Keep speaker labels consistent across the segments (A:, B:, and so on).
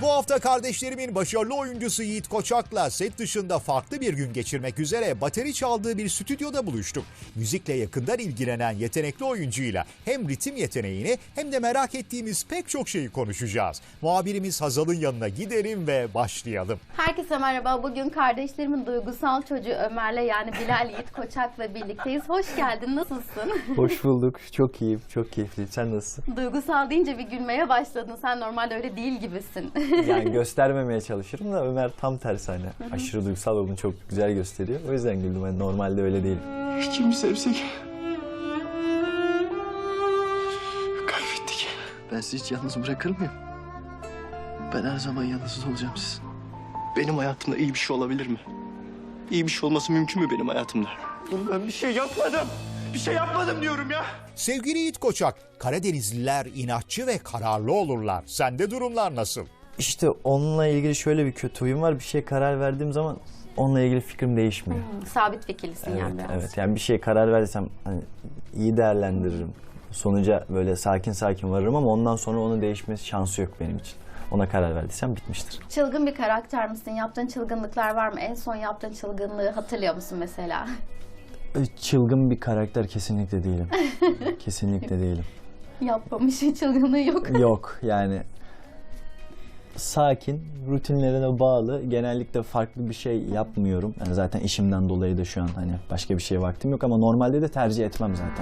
A: Bu hafta kardeşlerimin başarılı oyuncusu Yiğit Koçak'la set dışında farklı bir gün geçirmek üzere bateri çaldığı bir stüdyoda buluştuk. Müzikle yakından ilgilenen yetenekli oyuncuyla hem ritim yeteneğini hem de merak ettiğimiz pek çok şeyi konuşacağız. Muhabirimiz Hazal'ın yanına gidelim ve başlayalım.
B: Herkese merhaba. Bugün kardeşlerimin duygusal çocuğu Ömer'le yani Bilal Yiğit Koçak'la birlikteyiz. Hoş geldin. Nasılsın?
C: Hoş bulduk. Çok iyiyim. Çok keyifliyim. Sen nasılsın?
B: Duygusal deyince bir gülmeye başladın. Sen normalde öyle değil gibisin.
C: Yani göstermemeye çalışırım da Ömer tam tersi hani. Aşırı duygusal ve bunu çok güzel gösteriyor. O yüzden güldüm. Yani normalde öyle değilim.
D: Kimi sevsek kaybettik. Ben sizi hiç yalnız bırakır mıyım? Ben her zaman yalnız olacağım sizin. Benim hayatımda iyi bir şey olabilir mi? İyi bir şey olması mümkün mü benim hayatımda? Ben bir şey yapmadım. Bir şey yapmadım diyorum ya.
A: Sevgili Yiğit Koçak, Karadenizliler inatçı ve kararlı olurlar. Sende durumlar nasıl?
C: İşte onunla ilgili şöyle bir kötü huyum var. Bir şeye karar verdiğim zaman onunla ilgili fikrim değişmiyor.
B: Sabit fikirlisin
C: Evet,
B: yani biraz.
C: evet. Yani bir şeye karar verdiysem hani iyi değerlendiririm. Sonuca böyle sakin sakin varırım ama ondan sonra onun değişmesi şansı yok benim için. Ona karar verdiysem bitmiştir.
B: Çılgın bir karakter misin? Yaptığın çılgınlıklar var mı? En son yaptığın çılgınlığı hatırlıyor musun mesela?
C: Çılgın bir karakter kesinlikle değilim. Kesinlikle değilim.
B: Yapmamış çılgınlığı yok.
C: Yok yani sakin, rutinlerine bağlı. Genellikle farklı bir şey yapmıyorum. Yani zaten işimden dolayı da şu an hani başka bir şeye vaktim yok ama normalde de tercih etmem zaten.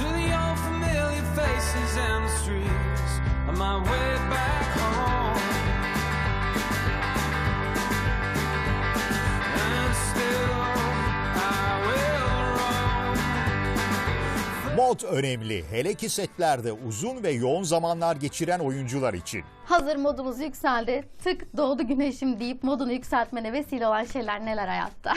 A: Mod önemli, hele ki setlerde uzun ve yoğun zamanlar geçiren oyuncular için.
B: Hazır modumuz yükseldi. Tık doğdu güneşim deyip modunu yükseltmene vesile olan şeyler neler hayatta?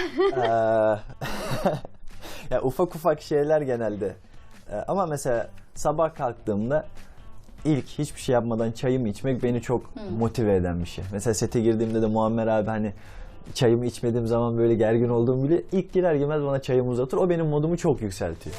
C: Ya ufak ufak şeyler genelde. Ama mesela sabah kalktığımda ilk hiçbir şey yapmadan çayımı içmek beni çok motive eden bir şey. Mesela sete girdiğimde de Muammer abi hani çayımı içmediğim zaman böyle gergin olduğum bile ilk girer girmez bana çayımı uzatır. O benim modumu çok yükseltiyor.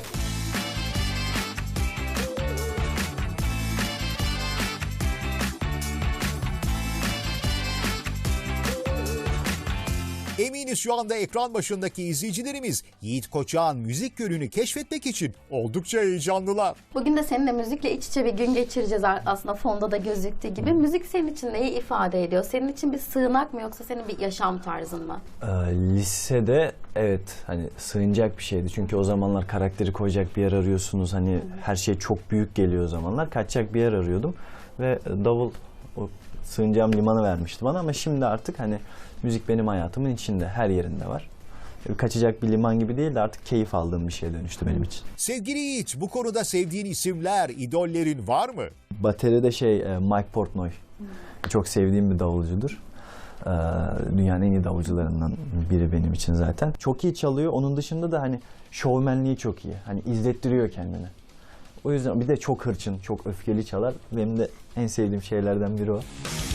A: Eminiz şu anda ekran başındaki izleyicilerimiz Yiğit Koçak'ın müzik yönünü keşfetmek için oldukça heyecanlılar.
B: Bugün de seninle müzikle iç içe bir gün geçireceğiz aslında fonda da gözüktüğü gibi. Müzik senin için neyi ifade ediyor? Senin için bir sığınak mı yoksa senin bir yaşam tarzın mı?
C: Lisede evet hani sığınacak bir şeydi. Çünkü o zamanlar karakteri koyacak bir yer arıyorsunuz. Hani her şey çok büyük geliyor o zamanlar. Kaçacak bir yer arıyordum. Ve davul o sığınacağım limanı vermişti bana ama şimdi artık hani müzik benim hayatımın içinde, her yerinde var. Kaçacak bir liman gibi değil de artık keyif aldığım bir şeye dönüştü benim için.
A: Sevgili Yiğit, bu konuda sevdiğin isimler, idollerin var mı?
C: Bateride Mike Portnoy. Çok sevdiğim bir davulcudur. Dünyanın en iyi davulcularından biri benim için zaten. Çok iyi çalıyor. Onun dışında da hani şovmenliği çok iyi. Hani izlettiriyor kendini. O yüzden bir de çok hırçın, çok öfkeli çalar. Benim de en sevdiğim şeylerden biri o.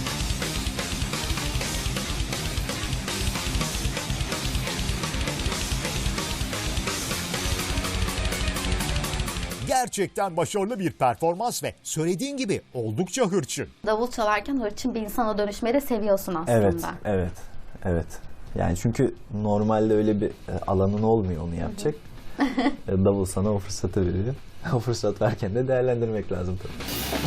A: Gerçekten başarılı bir performans ve söylediğin gibi oldukça hırçın.
B: Davul çalarken hırçın bir insana dönüşmeyi de seviyorsun aslında.
C: Evet. Yani çünkü normalde öyle bir alanın olmuyor onu yapacak. Davul sana o fırsatı veriyor. O fırsat varken de değerlendirmek lazım tabii.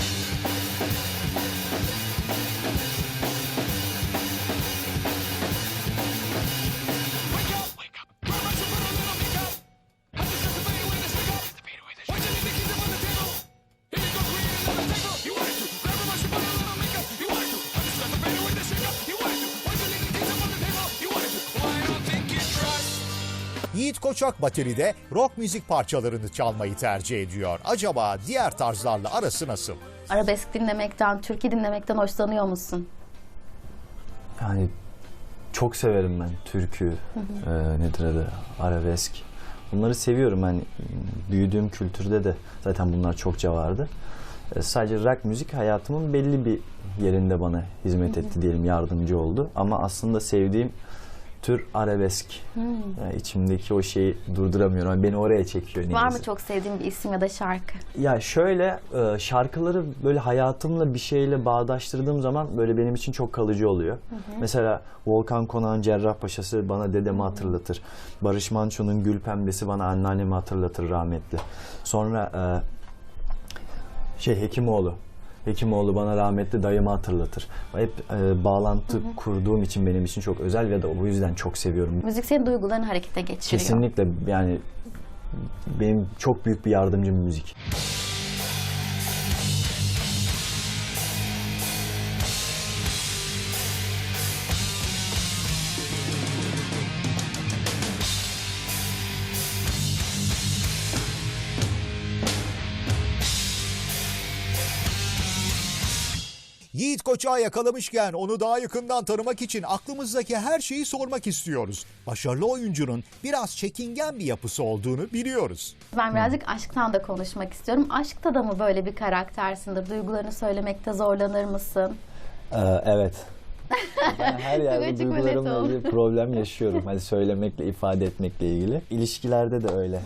A: Yiğit Koçak bateride rock müzik parçalarını çalmayı tercih ediyor. Acaba diğer tarzlarla arası nasıl?
B: Arabesk dinlemekten, türkü dinlemekten hoşlanıyor musun?
C: Yani çok severim ben türkü, nedir adı, arabesk. Bunları seviyorum. Yani büyüdüğüm kültürde de zaten bunlar çokça vardı. Sadece rock müzik hayatımın belli bir yerinde bana hizmet etti diyelim, yardımcı oldu. Ama aslında sevdiğim tür arabesk. Yani içimdeki o şeyi durduramıyorum. Yani beni oraya çekiyor.
B: Var
C: niyeyse.
B: mı çok sevdiğin bir isim ya da şarkı?
C: Ya şöyle şarkıları böyle hayatımla bir şeyle bağdaştırdığım zaman böyle benim için çok kalıcı oluyor. Mesela Volkan Konak'ın Cerrahpaşa'sı bana dedemi hatırlatır. Barış Manço'nun Gül Pembesi bana anneannemi hatırlatır rahmetli. Sonra Hekimoğlu bana rahmetli dayımı hatırlatır. Hep bağlantı kurduğum için benim için çok özel ve de bu yüzden çok seviyorum.
B: Müzik senin duygularını harekete geçiriyor.
C: Kesinlikle yani benim çok büyük bir yardımcım müzik.
A: Yiğit Koçak'ı yakalamışken onu daha yakından tanımak için aklımızdaki her şeyi sormak istiyoruz. Başarılı oyuncunun biraz çekingen bir yapısı olduğunu biliyoruz.
B: Ben birazcık aşktan da konuşmak istiyorum. Aşkta da mı böyle bir karaktersindir? Duygularını söylemekte zorlanır mısın?
C: Evet. Ben her yerde
B: Açık ve net
C: duygularımla
B: ol.
C: ilgili problem yaşıyorum. Hani söylemekle, ifade etmekle ilgili. İlişkilerde de öyle.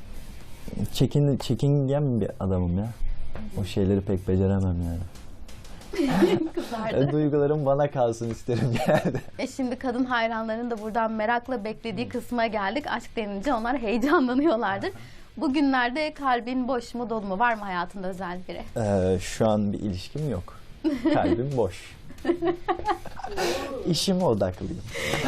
C: Çekingen bir adamım ya. O şeyleri pek beceremem yani.
B: Kızardı.
C: Duygularım bana kalsın isterim genelde.
B: Şimdi kadın hayranların da buradan merakla beklediği kısma geldik. Aşk denince onlar heyecanlanıyorlardır. Bugünlerde kalbin boş mu dolu mu? Var mı hayatında özel biri?
C: Şu an bir ilişkim yok. Kalbim boş. İşime odaklıyım.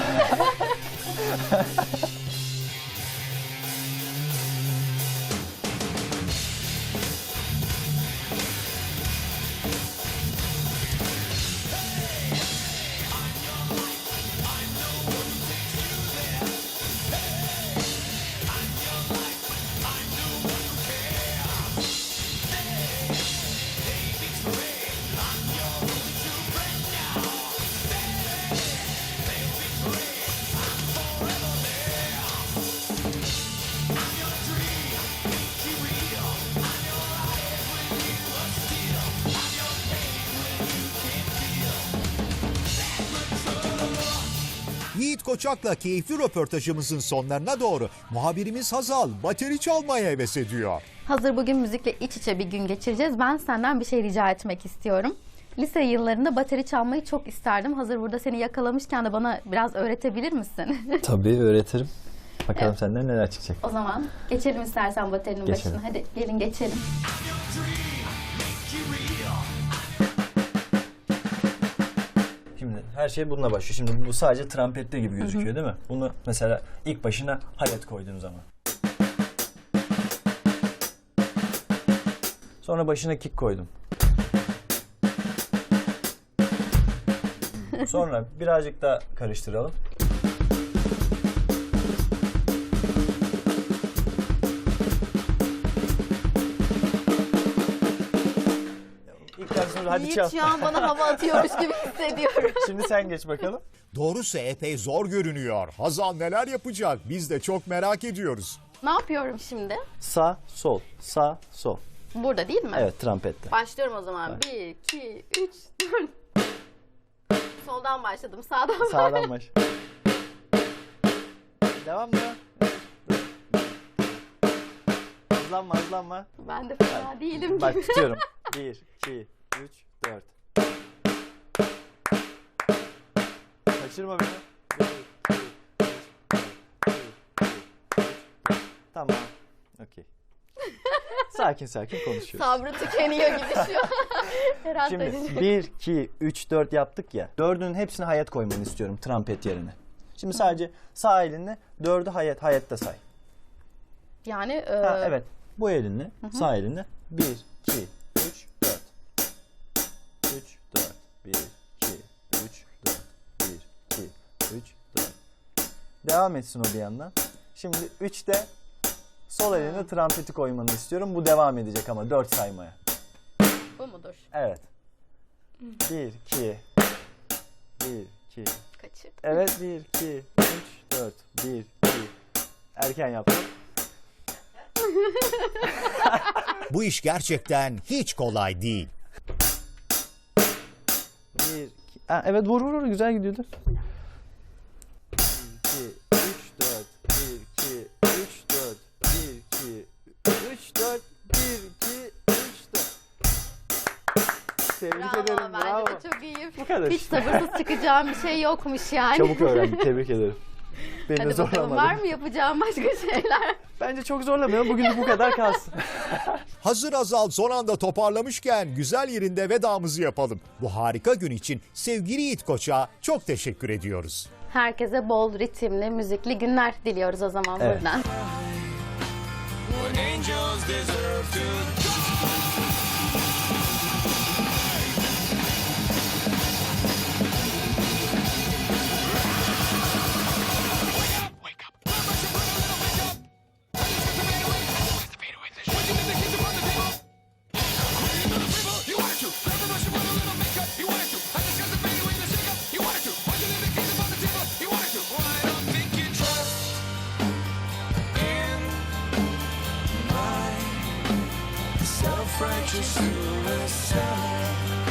A: Yiğit Koçak'la keyifli röportajımızın sonlarına doğru muhabirimiz Hazal bateri çalmaya heves ediyor.
B: Hazır bugün müzikle iç içe bir gün geçireceğiz. Ben senden bir şey rica etmek istiyorum. Lise yıllarında bateri çalmayı çok isterdim. Hazır burada seni yakalamışken de bana biraz öğretebilir misin?
C: Tabii öğretirim. Bakalım senden neler çıkacak.
B: O zaman geçelim istersen baterinin
C: Geçelim.
B: başına. Hadi gelin geçelim.
C: Şimdi her şey bununla başlıyor. Şimdi bu sadece trampette gibi gözüküyor değil mi? Bunu mesela ilk başına hayat koyduğum zaman. Sonra başına kick koydum. Sonra birazcık daha karıştıralım. İlk başta hadi çal.
B: Yiğit şu an bana hava atıyormuş gibi hissediyorum.
C: Şimdi sen geç bakalım.
A: Doğrusu epey zor görünüyor. Hazal neler yapacak biz de çok merak ediyoruz.
B: Ne yapıyorum şimdi?
C: Sağ, sol, sağ, sol.
B: Burada değil mi?
C: Evet, trampette.
B: Başlıyorum o zaman. 1, 2, 3, 4. Soldan başladım. Sağdan
C: Sağdan baş. Devam devam. Hızlanma hızlanma.
B: Ben de fena değilim.
C: Bak tutuyorum. 1, 2, 3, 4. Kaçırma beni. 1, 2, 3, 4. 1, 2, 3, 4. Tamam. Okey. Sakin sakin konuşuyoruz.
B: Sabrı tükeniyor gibi şu an. Herhalde.
C: Şimdi 1, 2, 3, 4 yaptık ya. 4'ün hepsini hayat koymanı istiyorum trampet yerine. Şimdi sadece sağ elinle 4'ü hayatta say.
B: Yani
C: Ha, evet. Bu elinle, sağ elinle 1, 2, 3, 4. 3, 4. 1, 2, 3, 4. 1, 2, 3, 4. Devam etsin o bir yandan. Şimdi 3'te sol eline trampeti koymanı istiyorum. Bu devam edecek ama 4 saymaya.
B: bu mudur?
C: Evet. 1, 2, 1, 2.
B: Kaçır.
C: Evet 1, 2, 3, 4. 1, 2. Erken yaptım.
A: Bu iş gerçekten hiç kolay değil.
C: 1, 2. Evet vur güzel gidiyordu. 1, 4, 1, 2, 3, 4. Tebrik ederim,
B: Bence
C: bravo.
B: de çok iyi.
C: Bu kadar.
B: Hiç sabırsız çıkacağım bir şey yokmuş yani.
C: Çabuk öğrendim, tebrik ederim. Beni de
B: Hadi bakalım, var
C: zorlamadı.
B: mı yapacağım başka şeyler?
C: Bence çok zorlamıyorum, bugünlük bu kadar kalsın.
A: Hazır Hazal son anda toparlamışken güzel yerinde vedamızı yapalım. Bu harika gün için sevgili Yiğit Koç'a çok teşekkür ediyoruz.
B: Herkese bol ritimli, müzikli günler diliyoruz o zaman
C: Evet.
B: buradan.
E: When angels deserve to self-righteous suicide.